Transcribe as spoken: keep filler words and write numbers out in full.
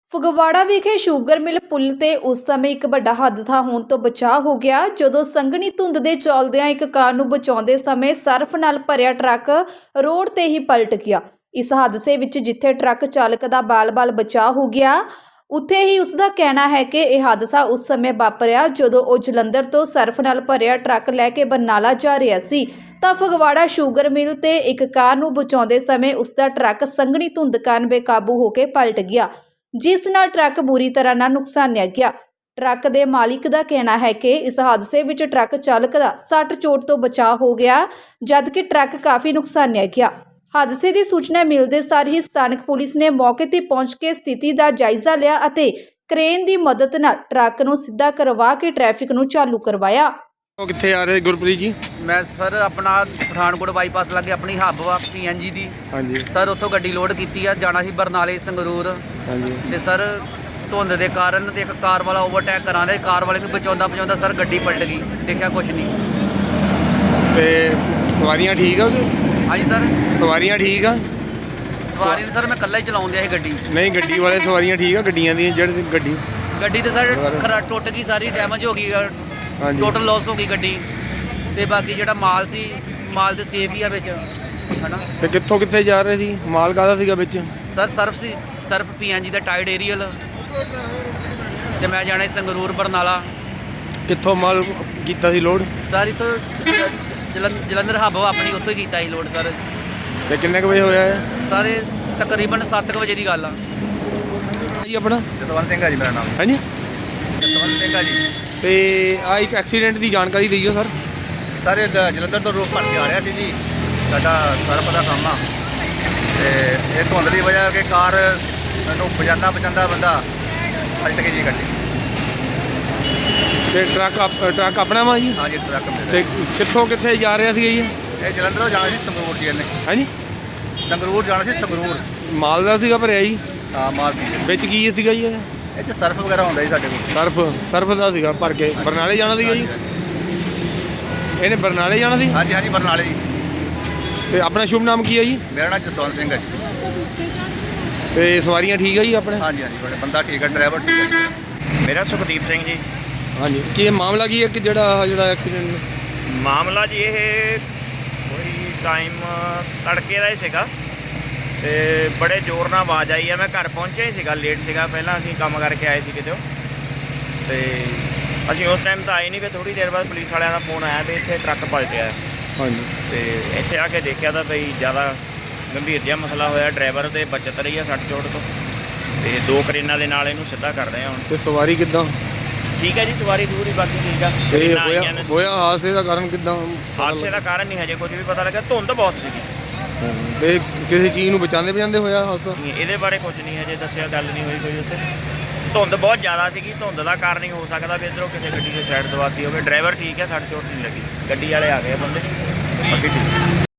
ਫਗਵਾੜਾ ਵਿਖੇ sugar mill ਪੁਲ ਤੇ ਉਸ ਸਮੇਂ ਇੱਕ ਵੱਡਾ ਹਾਦਸਾ ਹੋਣ ਤੋਂ ਬਚਾਅ ਹੋ ਗਿਆ ਜਦੋਂ ਸੰਘਣੀ ਧੁੰਦ ਦੇ ਚਲਦਿਆਂ ਇੱਕ ਕਾਰ ਨੂੰ ਬਚਾਉਂਦੇ ਸਮੇਂ ਸਰਫ ਨਾਲ ਭਰਿਆ ਟਰੱਕ ਰੋਡ ਤੇ ਹੀ ਪਲਟ ਗਿਆ। ਇਸ ਹਾਦਸੇ ਵਿੱਚ ਜਿੱਥੇ ਟਰੱਕ ਚਾਲਕ ਦਾ ਬਾਲ-ਬਾਲ ਬਚਾਅ ਹੋ ਗਿਆ, ਉੱਥੇ ਹੀ ਉਸ ਦਾ ਕਹਿਣਾ ਹੈ ਕਿ ਇਹ ਹਾਦਸਾ ਉਸ ਸਮੇਂ ਵਾਪਰਿਆ ਜਦੋਂ ਉਹ ਜਲੰਧਰ ਤੋਂ ਸਰਫ ਨਾਲ ਭਰਿਆ ਟਰੱਕ ਲੈ ਕੇ ਬਰਨਾਲਾ ਜਾ ਰਿਹਾ ਸੀ ਤਾਂ ਫਗਵਾੜਾ ਸ਼ੂਗਰ ਮਿਲ ਤੇ ਇੱਕ ਕਾਰ ਨੂੰ ਬਚਾਉਂਦੇ ਸਮੇਂ ਉਸ ਦਾ ਟਰੱਕ ਸੰਘਣੀ ਧੁੰਦ ਕਾਰਨ ਬੇਕਾਬੂ ਹੋ ਕੇ ਪਲਟ ਗਿਆ, ਜਿਸ ਨਾਲ ਟਰੱਕ ਬੁਰੀ ਤਰ੍ਹਾਂ ਨਾਲ ਨੁਕਸਾਨਿਆ ਗਿਆ। ਟਰੱਕ ਦੇ ਮਾਲਿਕ ਦਾ ਕਹਿਣਾ ਹੈ ਕਿ ਇਸ ਹਾਦਸੇ ਵਿੱਚ ਟਰੱਕ ਚਾਲਕ ਦਾ ਸੱਟ ਚੋਟ ਤੋਂ ਬਚਾਅ ਹੋ ਗਿਆ, ਜਦਕਿ ਟਰੱਕ ਕਾਫੀ ਨੁਕਸਾਨਿਆ ਗਿਆ। ਹਾਦਸੇ ਦੀ ਸੂਚਨਾ ਮਿਲਦੇ ਸਾਰ ਹੀ ਸਥਾਨਕ ਪੁਲਿਸ ਨੇ ਮੌਕੇ ਤੇ ਪਹੁੰਚ ਕੇ ਸਥਿਤੀ ਦਾ ਜਾਇਜ਼ਾ ਲਿਆ ਅਤੇ ਕ੍ਰੇਨ ਦੀ ਮਦਦ ਨਾਲ ਟਰੱਕ ਨੂੰ ਸਿੱਧਾ ਕਰਵਾ ਕੇ ਟ੍ਰੈਫਿਕ ਨੂੰ ਚਾਲੂ ਕਰਵਾਇਆ। ਉਹ ਕਿੱਥੇ ਆ ਰਹੇ ਗੁਰਪ੍ਰੀਤ ਜੀ? मैं सर अपना पठानकोट बाईपास लगे अपनी हब वा पी एन जी दी ਹਾਂਜੀ सर उत्थों गड्डी लोड की है, जाना सी बरनाले संगरूर ਹਾਂਜੀ ते सर धुंद के कारण ते एक कार वाला ओवरटेक करा दे, कार वाले को बचाउंदा बचाउंदा सर गड्डी पलट गई, देखा कुछ नहीं। ਤੇ ਸਵਾਰੀਆਂ ਠੀਕ ਆ ਉਹਦੇ? हाँ जी सर, ਸਵਾਰੀਆਂ ਠੀਕ ਆ? सवारी ने सर मैं कल्ला ही चलाउंदा सी गड्डी। ਨਹੀਂ ਗੱਡੀ ਵਾਲੇ ਸਵਾਰੀਆਂ ਠੀਕ ਆ? ਗੱਡੀਆਂ ਦੀਆਂ ਜਿਹੜੀ ਗੱਡੀ गड्डी तो सर खरा टुट गई, सारी डैमेज हो गई, ਹਾਂਜੀ टोटल लॉस हो गई गड्डी ते बाकी ਜਿਹੜਾ ਮਾਲ ਸੀ ਮਾਲ ਤੇ ਸੇਫ ਹੀ ਆ ਵਿੱਚ ਹਨਾ। ਤੇ ਕਿੱਥੋਂ ਕਿੱਥੇ ਜਾ ਰਹੇ ਸੀ? ਮਾਲ ਕਾਹਦਾ ਸੀਗਾ ਵਿੱਚ? ਸਰ ਸਰਫ ਸੀ, ਸਰਫ ਪੀ ਐਨ ਜੀ ਦਾ ਟਾਈਡ ਏਰੀਅਲ ਤੇ ਮੈਂ ਜਾਣਾ ਸੀ ਸੰਗਰੂਰ ਬਰਨਾਲਾ। ਕਿੱਥੋਂ ਮਾਲ ਕੀਤਾ ਸੀ ਲੋਡ? ਸਰ ਇੱਥੋਂ ਜਲੰਧਰ ਜਲੰਧਰ ਹੱਬ ਆਪਣੀ ਉੱਥੋਂ ਹੀ ਕੀਤਾ ਸੀ ਲੋਡ ਸਰ। ਤੇ ਕਿੰਨੇ ਕੁ ਵਜੇ ਹੋਇਆ ਹੈ ਸਾਰੇ ਤਕਰੀਬਨ ਸੱਤ ਕੁ ਵਜੇ ਦੀ ਗੱਲ ਆ ਜੀ? ਆਪਣਾ ਜਸਵੰਤ ਸਿੰਘ ਆ ਜੀ ਮੇਰਾ ਨਾਮ। ਹਾਂਜੀ ਜਸਵੰਤ ਸਿੰਘ ਆ ਜੀ। ਤੇ ਆ ਇੱਕ ਐਕਸੀਡੈਂਟ ਦੀ ਜਾਣਕਾਰੀ ਦਿਓ ਸਰ। ਸਰ ਜਲੰਧਰ ਤੋਂ ਰੋਡ ਭਰ ਕੇ ਆ ਰਿਹਾ ਸੀ ਜੀ, ਸਾਡਾ ਸਰਫ ਦਾ ਕੰਮ ਆ ਤੇ ਇਹ ਧੁੰਦ ਦੀ ਵਜ੍ਹਾ ਕਰਕੇ ਕਾਰ ਮੈਨੂੰ ਪਜਾਂਦਾ ਪਜਾਂਦਾ ਬੰਦਾ ਪਲਟ ਗਈ ਜੀ ਗੱਡੀ। ਤੇ ਟਰੱਕ ਆਪ- ਟਰੱਕ ਆਪਣਾ ਵਾ ਜੀ? ਹਾਂ ਜੀ ਟਰੱਕ ਮੇਰਾ। ਤੇ ਕਿੱਥੋਂ ਕਿੱਥੇ ਜਾ ਰਿਹਾ ਸੀਗਾ ਜੀ? ਇਹ ਜਲੰਧਰੋਂ ਜਾਣਾ ਸੀ ਸੰਗਰੂਰ ਜੀ, ਇਹਨੇ ਹਾਂਜੀ ਸੰਗਰੂਰ ਜਾਣਾ ਸੀ ਸੰਗਰੂਰ। ਮਾਲ ਦਾ ਸੀਗਾ ਭਰਿਆ ਜੀ? ਹਾਂ ਮਾਲ ਸੀ ਵਿੱਚ ਕੀ ਸੀਗਾ ਜੀ? ਇਹ 'ਚ ਸਰਫ ਵਗੈਰਾ ਹੁੰਦਾ ਜੀ ਸਾਡੇ ਕੋਲ। ਸਰਫ ਸਰਫ ਦਾ ਸੀਗਾ ਭਰ ਕੇ ਬਰਨਾਲੇ ਜਾਣਾ ਸੀਗਾ ਜੀ? ਇਹਨੇ ਬਰਨਾਲੇ ਜਾਣਾ ਸੀ? ਹਾਂਜੀ ਹਾਂਜੀ ਬਰਨਾਲੇ ਜੀ। ਤੇ ਆਪਣਾ ਸ਼ੁਭ ਨਾਮ ਕੀ ਹੈ ਜੀ? ਮੇਰਾ ਨਾਮ ਜਸਵੰਤ ਸਿੰਘ ਹੈ ਜੀ। ਤੇ ਸਵਾਰੀਆਂ ਠੀਕ ਹੈ ਜੀ ਆਪਣੇ? ਹਾਂਜੀ ਹਾਂਜੀ ਬੜਾ ਬੰਦਾ ਠੀਕ ਹੈ, ਡਰਾਈਵਰ ਠੀਕ ਹੈ ਜੀ। ਮੇਰਾ ਸੁਖਦੀਪ ਸਿੰਘ ਜੀ। ਹਾਂਜੀ ਕੀ ਇਹ ਮਾਮਲਾ ਕੀ ਹੈ ਕਿ ਜਿਹੜਾ ਜਿਹੜਾ ਐਕਸੀਡੈਂਟ? ਮਾਮਲਾ ਜੀ ਇਹ ਕੋਈ ਟਾਈਮ ਤੜਕੇ ਦਾ ਹੀ ਸੀਗਾ ਤੇ ਬੜੇ ਜ਼ੋਰ ਨਾਲ ਆਵਾਜ਼ ਆਈ ਆ। ਮੈਂ ਘਰ ਪਹੁੰਚਿਆ ਹੀ ਸੀਗਾ, ਲੇਟ ਸੀਗਾ, ਪਹਿਲਾਂ ਅਸੀਂ ਕੰਮ ਕਰਕੇ ਆਏ ਸੀ ਕਿਤੇ ਤੇ ਅਸੀਂ ਉਸ ਟਾਈਮ ਤਾਂ ਆਏ ਨਹੀਂ, ਫਿਰ ਥੋੜ੍ਹੀ ਦੇਰ ਬਾਅਦ ਪੁਲਿਸ ਵਾਲਿਆਂ ਦਾ ਫੋਨ ਆਇਆ ਵੀ ਇੱਥੇ ਟਰੱਕ ਪਲਟਿਆ। ਹਾਂਜੀ ਤੇ ਇੱਥੇ ਆ ਕੇ ਦੇਖਿਆ ਤਾਂ ਬਈ ਜ਼ਿਆਦਾ ਗੰਭੀਰ ਜਿਹਾ ਮਸਲਾ ਹੋਇਆ, ਡਰਾਈਵਰ ਤੇ ਬਚਤ ਰਹੀ ਆ ਸੱਟ ਚੋਟ ਤੋਂ ਤੇ ਦੋ ਕਰੇਨਾਂ ਦੇ ਨਾਲ ਇਹਨੂੰ ਸਿੱਧਾ ਕਰ ਰਹੇ ਆ ਹੁਣ। ਤੇ ਸਵਾਰੀ ਕਿੱਦਾਂ ਠੀਕ ਹੈ ਜੀ, ਸਵਾਰੀ ਦੂਰੀ ਬਾਕੀ ਠੀਕ ਆ। ਇਹ ਕਰੇਨਾਂ ਹੋਇਆ ਆਈਆਂ ਨੇ। ਹੋਇਆ ਹਾਦਸੇ ਦਾ ਕਾਰਨ ਕਿੱਦਾਂ? ਹਾਦਸੇ ਦਾ ਕਾਰਨ ਨਹੀਂ ਹਜੇ ਕੁਝ ਵੀ ਪਤਾ ਲੱਗਾ, ਧੁੰਦ ਬਹੁਤ ਸੀਗੀ। ਤੇ ਕਿਸੇ ਚੀਜ਼ ਨੂੰ ਬਚਾਉਂਦੇ ਬਚਾਉਂਦੇ ਹੋਇਆ ਹਾਦਸਾ? ਨਹੀਂ, ਇਹਦੇ ਬਾਰੇ ਕੁਝ ਨਹੀਂ ਹਜੇ ਦੱਸਿਆ, ਗੱਲ ਨਹੀਂ ਹੋਈ ਕੋਈ ਉੱਥੇ। ਧੁੰਦ ਬਹੁਤ ਜ਼ਿਆਦਾ ਸੀਗੀ, ਧੁੰਦ ਦਾ ਕਾਰਨ ਹੀ ਹੋ ਸਕਦਾ ਵੀ ਇੱਧਰੋਂ ਕਿਸੇ ਗੱਡੀ ਦੀ ਸਾਈਡ ਦਵਾਤੀ ਹੋਵੇ। ਡਰਾਈਵਰ ਠੀਕ ਹੈ, ਸੱਟ ਚੋਟ ਨਹੀਂ ਲੱਗੀ, ਗੱਡੀ ਵਾਲੇ ਆ ਗਏ ਬੰਦੇ ਬਾਕੀ ਠੀਕ।